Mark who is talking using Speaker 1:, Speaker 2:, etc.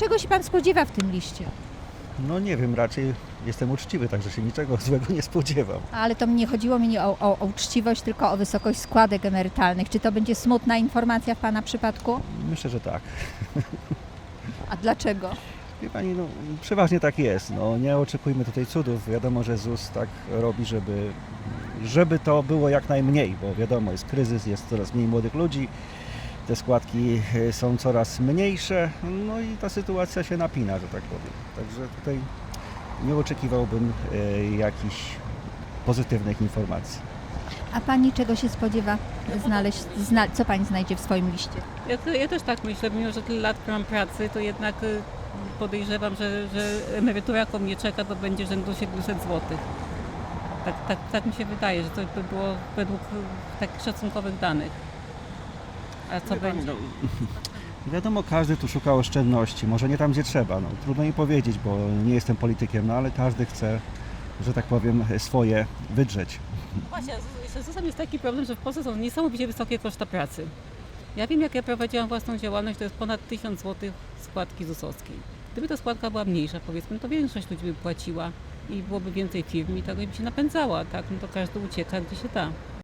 Speaker 1: Czego się pan spodziewa w tym liście?
Speaker 2: No nie wiem, raczej jestem uczciwy, także się niczego złego nie spodziewam.
Speaker 1: Ale to nie chodziło mi o uczciwość, tylko o wysokość składek emerytalnych. Czy to będzie smutna informacja w pana przypadku?
Speaker 2: Myślę, że tak.
Speaker 1: A dlaczego?
Speaker 2: Wie pani, no przeważnie tak jest. No, nie oczekujmy tutaj cudów. Wiadomo, że ZUS tak robi, żeby to było jak najmniej, bo wiadomo, jest kryzys, jest coraz mniej młodych ludzi, te składki są coraz mniejsze, no i ta sytuacja się napina, że tak powiem. Także tutaj nie oczekiwałbym jakichś pozytywnych informacji.
Speaker 1: A pani czego się spodziewa znaleźć? Co pani znajdzie w swoim liście?
Speaker 3: Ja też tak myślę, mimo że tyle lat mam pracy, to jednak podejrzewam, że emerytura, jaką mnie czeka, to będzie rzędu 700 zł. Tak mi się wydaje, że to by było według takich szacunkowych danych. A co
Speaker 2: Wie pani,
Speaker 3: będzie?
Speaker 2: no, wiadomo, każdy tu szuka oszczędności, może nie tam, gdzie trzeba. No, trudno mi powiedzieć, bo nie jestem politykiem, no ale każdy chce, że tak powiem, swoje wydrzeć.
Speaker 3: Właśnie, z ZUS-em jest taki problem, że w Polsce są niesamowicie wysokie koszta pracy. Ja wiem, jak ja prowadziłam własną działalność, to jest ponad 1000 zł składki ZUS-owskiej. Gdyby ta składka była mniejsza, powiedzmy, to większość ludzi by płaciła i byłoby więcej firm i tak by się napędzała, tak? No to każdy ucieka, gdzie się da.